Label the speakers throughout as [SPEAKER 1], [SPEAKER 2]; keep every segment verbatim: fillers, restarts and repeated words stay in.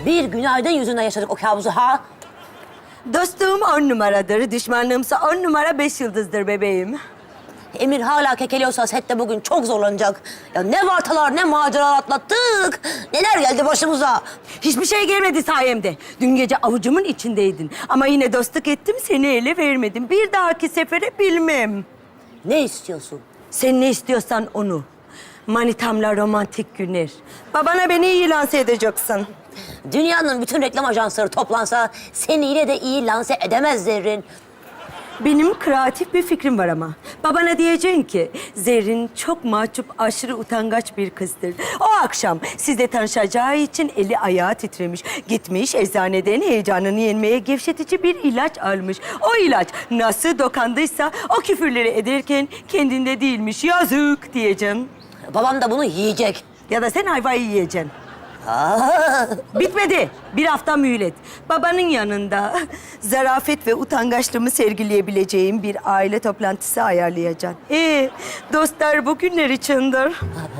[SPEAKER 1] Bir günaydın yüzünden yaşadık o kabusu ha.
[SPEAKER 2] Dostluğum on numaradır, düşmanlığımsa on numara beş yıldızdır bebeğim.
[SPEAKER 1] Emir hala kekeliyorsa sette bugün çok zorlanacak. Ya ne vartalar ne maceralar atlattık. Neler geldi başımıza.
[SPEAKER 2] Hiçbir şey gelmedi sayemde. Dün gece avucumun içindeydin. Ama yine dostluk ettim, seni ele vermedim. Bir dahaki sefere bilmem.
[SPEAKER 1] Ne istiyorsun?
[SPEAKER 2] Sen ne istiyorsan onu. Manitamla romantik günler. Babana beni iyi lanse edeceksin.
[SPEAKER 1] Dünyanın bütün reklam ajansları toplansa seni yine de iyi lanse edemez Zerrin.
[SPEAKER 2] Benim kreatif bir fikrim var ama. Babana diyeceksin ki Zerrin çok mahcup, aşırı utangaç bir kızdır. O akşam sizle tanışacağı için eli ayağı titremiş. Gitmiş eczaneden heyecanını yenmeye gevşetici bir ilaç almış. O ilaç nasıl dokandıysa o küfürleri ederken kendinde değilmiş. Yazık diyeceksin.
[SPEAKER 1] Babam da bunu yiyecek.
[SPEAKER 2] Ya da sen ayvayı yiyeceksin.
[SPEAKER 1] Aa,
[SPEAKER 2] Bitmedi. Bir hafta mühlet. Babanın yanında zarafet ve utangaçlığımı sergileyebileceğim bir aile toplantısı ayarlayacaksın. Ee, dostlar bugünler içindir.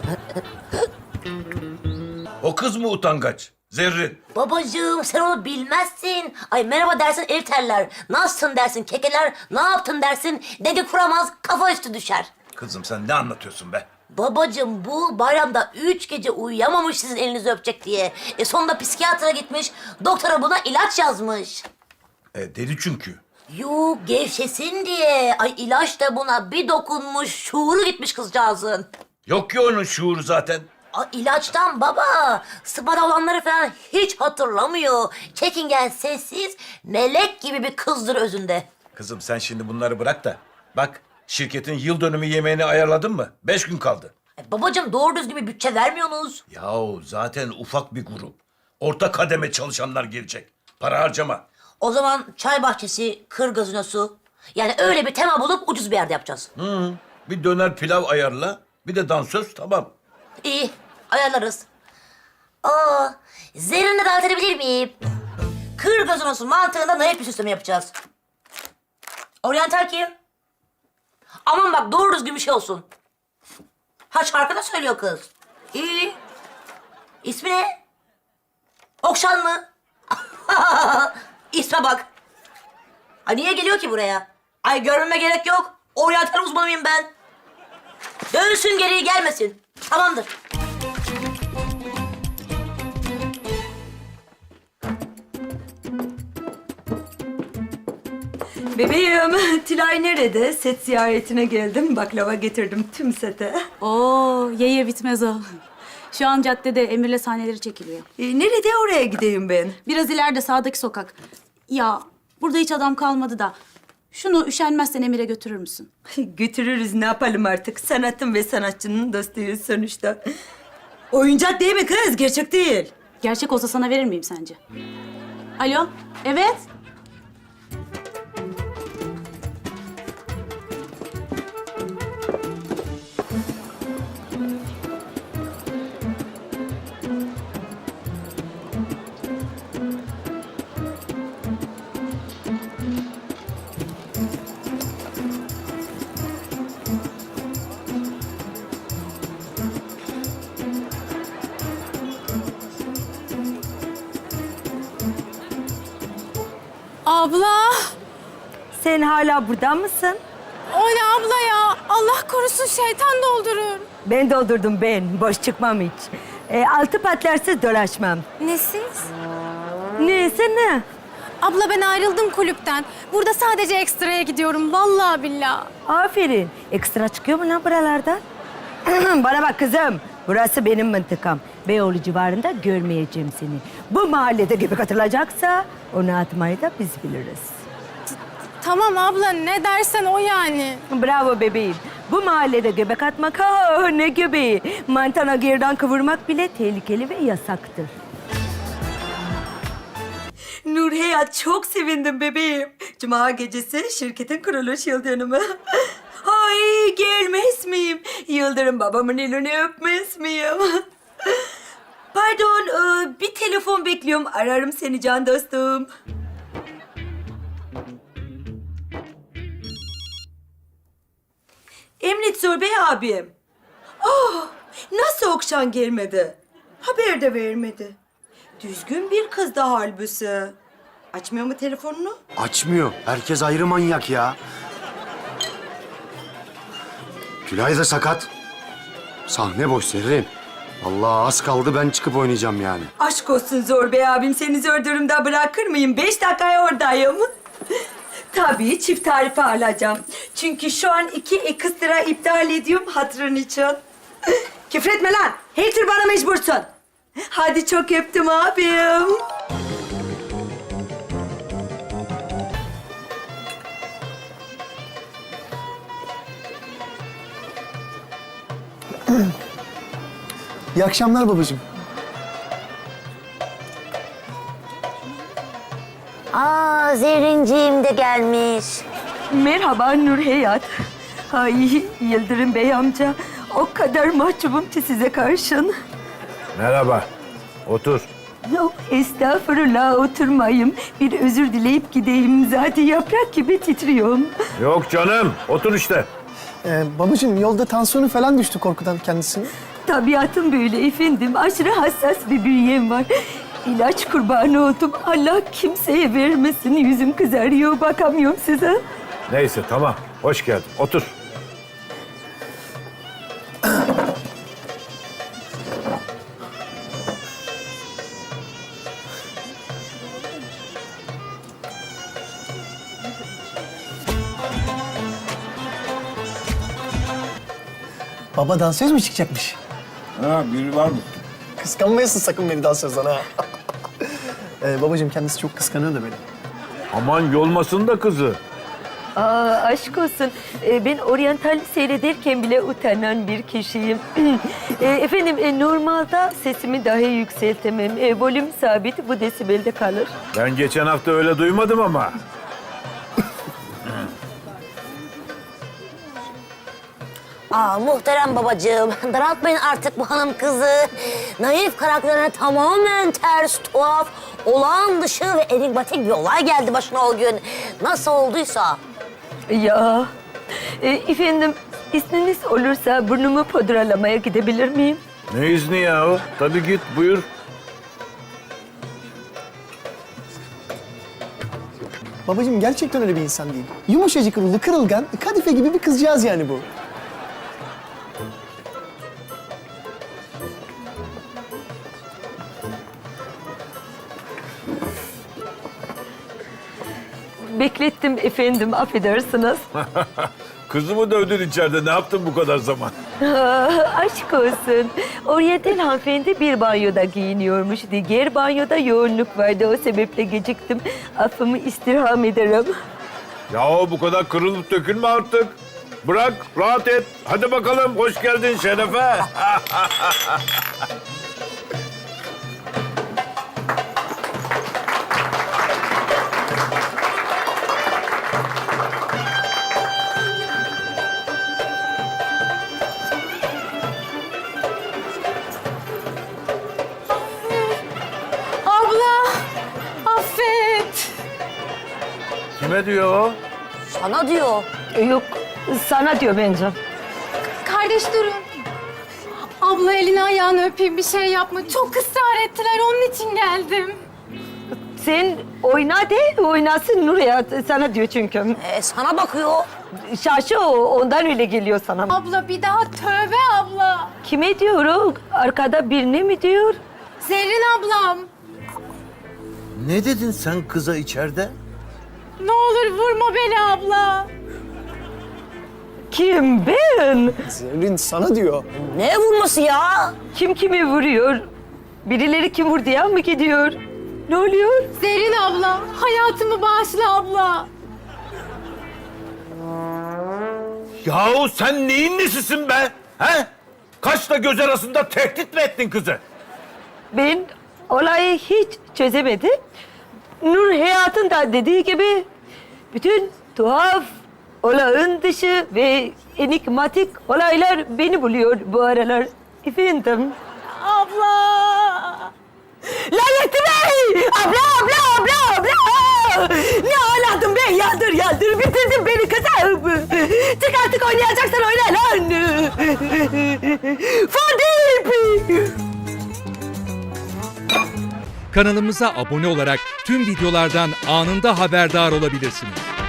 [SPEAKER 3] O kız mı utangaç? Zerrin.
[SPEAKER 1] babacığım sen onu bilmezsin. Ay merhaba dersin ev terler. Nasılsın dersin kekeler. Ne yaptın dersin. Denge kuramaz kafa üstü düşer.
[SPEAKER 3] Kızım sen ne anlatıyorsun be?
[SPEAKER 1] Babacığım bu bayramda üç gece uyuyamamış sizin elinizi öpecek diye. E sonunda psikiyatra gitmiş. Doktora buna ilaç yazmış.
[SPEAKER 3] E, deli çünkü.
[SPEAKER 1] Yuh gevşesin diye. Ay ilaç da buna bir dokunmuş. Şuuru gitmiş kızcağızın.
[SPEAKER 3] Yok ki onun şuuru zaten.
[SPEAKER 1] Ay ilaçtan baba. Sıpada olanları falan hiç hatırlamıyor. Çekingen, sessiz, melek gibi bir kızdır özünde.
[SPEAKER 3] Kızım sen şimdi bunları bırak da. Bak şirketin yıl dönümü yemeğini ayarladın mı? Beş gün kaldı.
[SPEAKER 1] E, babacığım doğru düzgün bir bütçe vermiyorsunuz.
[SPEAKER 3] Yahu zaten ufak bir grup. Orta kademe çalışanlar gelecek. Para harcama.
[SPEAKER 1] O zaman çay bahçesi, kır gazinosu. Yani öyle bir tema bulup ucuz bir yerde yapacağız.
[SPEAKER 3] Hı, bir döner pilav ayarla. Bir de dansöz tamam.
[SPEAKER 1] İyi, ayarlarız. Aa, Zerrin'i de davet edebilir miyim? Kır gazinosu mantığında naif bir süsleme yapacağız. Oryantal kim? Aman bak doğru düzgün bir şey olsun. Ha şarkı da söylüyor kız. İyi. İsmi ne? Okşan mı? İsme bak. Ay niye geliyor ki buraya? Ay görmeme gerek yok. Oryantal uzmanıyım ben. Dönsün geriye gelmesin. Tamamdır.
[SPEAKER 2] Bebeğim, Tilay nerede? Set ziyaretine geldim. Baklava getirdim tüm sete.
[SPEAKER 4] Oo, ye ye bitmez o. Şu an caddede Emir'le sahneleri çekiliyor.
[SPEAKER 2] Ee, nerede oraya gideyim ben?
[SPEAKER 4] Biraz ileride sağdaki sokak. Ya burada hiç adam kalmadı da. Şunu üşenmezsen Emir'e götürür müsün?
[SPEAKER 2] Götürürüz, ne yapalım artık? Sanatın ve sanatçının dostuyuz sonuçta. Oyuncak değil mi kız? Gerçek değil.
[SPEAKER 4] Gerçek olsa sana verir miyim sence? Alo, evet?
[SPEAKER 5] Abla,
[SPEAKER 2] Sen hala burada mısın?
[SPEAKER 5] o ne abla ya? Allah korusun şeytan doldurur.
[SPEAKER 2] Ben doldurdum ben. Boş çıkmam hiç. Ee, altı patlarsız dolaşmam.
[SPEAKER 5] Nesiz?
[SPEAKER 2] Neyse ne?
[SPEAKER 5] Abla ben ayrıldım kulüpten. Burada sadece ekstraya gidiyorum vallahi billahi.
[SPEAKER 2] Aferin. Ekstra çıkıyor mu lan buralardan? Bana bak kızım. Burası benim mıntıkam. Beyoğlu civarında görmeyeceğim seni. Bu mahallede göbek atılacaksa onu atmayı da biz biliriz.
[SPEAKER 5] Tamam abla ne dersen o yani.
[SPEAKER 2] Bravo bebeğim. Bu mahallede göbek atmak, ha ne göbeği. Mantana gerdan kıvırmak bile tehlikeli ve yasaktır. Nur Hayat, çok sevindim bebeğim. Cuma gecesi şirketin kuruluş yıl dönümü. Ay gelmez miyim? Yıldırım babamın elini öpmez miyim? Pardon, e, bir telefon bekliyorum. Ararım seni can dostum. Emret Zor Bey abim. Oh, nasıl Okşan gelmedi? Haber de vermedi. Düzgün bir kız da halbuki. Açmıyor mu telefonunu?
[SPEAKER 6] Açmıyor. Herkes ayrı manyak ya. Tülay da sakat. Sahne boş Zerrin. Allah az kaldı ben çıkıp oynayacağım yani.
[SPEAKER 2] Aşk olsun Zor Bey abim, seni zor durumda bırakır mıyım? Beş dakikaya oradayım. Tabii çift tarife alacağım. Çünkü şu an iki ekstra iptal ediyorum hatırın için. Küfretme lan. Her tür bana mecbursun. Hadi çok öptüm abim.
[SPEAKER 7] İyi akşamlar babacığım.
[SPEAKER 1] Aa, Zerrinciğim de gelmiş.
[SPEAKER 2] Merhaba Nur Hayat. Ay Yıldırım Bey amca. O kadar mahcubum ki size karşın.
[SPEAKER 3] Merhaba. Otur.
[SPEAKER 2] Yok estağfurullah, oturmayayım. Bir özür dileyip gideyim. Zaten yaprak gibi titriyorum.
[SPEAKER 3] Yok canım. Otur işte.
[SPEAKER 7] Ee, babacığım yolda tansiyonu falan düştü korkudan kendisini.
[SPEAKER 2] Tabiatım böyle efendim. Aşırı hassas bir bünyem var. İlaç kurbanı oldum. Allah kimseye vermesin. Yüzüm kızarıyor. Bakamıyorum size.
[SPEAKER 3] Neyse tamam. Hoş geldin. Otur.
[SPEAKER 7] Baba dansöz mü çıkacakmış?
[SPEAKER 3] Ha, biri var mı?
[SPEAKER 7] Kıskanmayasın sakın beni dansözden ha. ee, babacığım kendisi çok kıskanıyor da beni.
[SPEAKER 3] Aman yolmasın da kızı.
[SPEAKER 2] Aa, aşk olsun. Ee, ben oryantal seyrederken bile utanan bir kişiyim. Ee, efendim e, normalde sesimi dahi yükseltemem. E, volüm sabit, bu desibelde kalır.
[SPEAKER 3] Ben geçen hafta öyle duymadım ama.
[SPEAKER 1] Aa, muhterem babacığım, daraltmayın artık bu hanım kızı. Naif karakterine tamamen ters, tuhaf, olağan dışı ve enigmatik bir olay geldi başına o gün. Nasıl olduysa.
[SPEAKER 2] Ya, e, efendim izniniz olursa burnumu pudralamaya gidebilir miyim?
[SPEAKER 3] Ne izni ya o? Tabii git buyur.
[SPEAKER 7] Babacığım gerçekten öyle bir insan değil. Yumuşacık ruhlu, kırılgan, kadife gibi bir kızcağız yani bu.
[SPEAKER 2] Beklettim efendim, affedersiniz.
[SPEAKER 3] Kızımı dövdün içeride. Ne yaptın bu kadar zaman?
[SPEAKER 2] Aa, aşk olsun. Oryantal hanımefendi bir banyoda giyiniyormuş. Diğer banyoda yoğunluk vardı. O sebeple geciktim. Affımı istirham ederim.
[SPEAKER 3] Yahu bu kadar kırılıp dökülme artık. Bırak, rahat et. Hadi bakalım, hoş geldin Şerefe.
[SPEAKER 5] Abla, affet.
[SPEAKER 3] Kime diyor o?
[SPEAKER 1] Sana diyor.
[SPEAKER 2] E, Yok, sana diyor bence.
[SPEAKER 5] Kardeş durun. Abla elini ayağını öpeyim, bir şey yapma. Çok ısrar ettiler, onun için geldim.
[SPEAKER 2] Sen oyna de, oynasın Nur Hayat. Sana diyor çünkü.
[SPEAKER 1] Ee, sana bakıyor.
[SPEAKER 2] Şaşı o, ondan öyle geliyor sana.
[SPEAKER 5] Abla bir daha tövbe abla.
[SPEAKER 2] Kime diyor o? Arkada birine mi diyor?
[SPEAKER 5] Zerrin ablam.
[SPEAKER 3] Ne dedin sen kıza içeride?
[SPEAKER 5] Ne olur vurma beni abla.
[SPEAKER 2] Kim, ben?
[SPEAKER 7] Zerrin sana diyor.
[SPEAKER 1] Ne vurması ya?
[SPEAKER 2] Kim kimi vuruyor? Birileri kim vurdu ya mı gidiyor? Ne oluyor?
[SPEAKER 5] Zerrin abla, hayatımı bağışla abla.
[SPEAKER 3] Yahu sen neyin nesisin be? He? Kaşla göz arasında tehdit mi ettin kızı?
[SPEAKER 2] Ben olayı hiç çözemedim. Nur Hayat'ın da dediği gibi bütün tuhaf, olağan dışı ve enigmatik olaylar beni buluyor bu aralar. Efendim.
[SPEAKER 5] Abla.
[SPEAKER 2] Lanetli Bey! Abla, abla, abla, abla! Ne ağladın be? Yandır, yandır. Bitirdin beni kızım. Çık artık oynayacaksan oyna lan. Fadip!
[SPEAKER 8] Kanalımıza abone olarak tüm videolardan anında haberdar olabilirsiniz.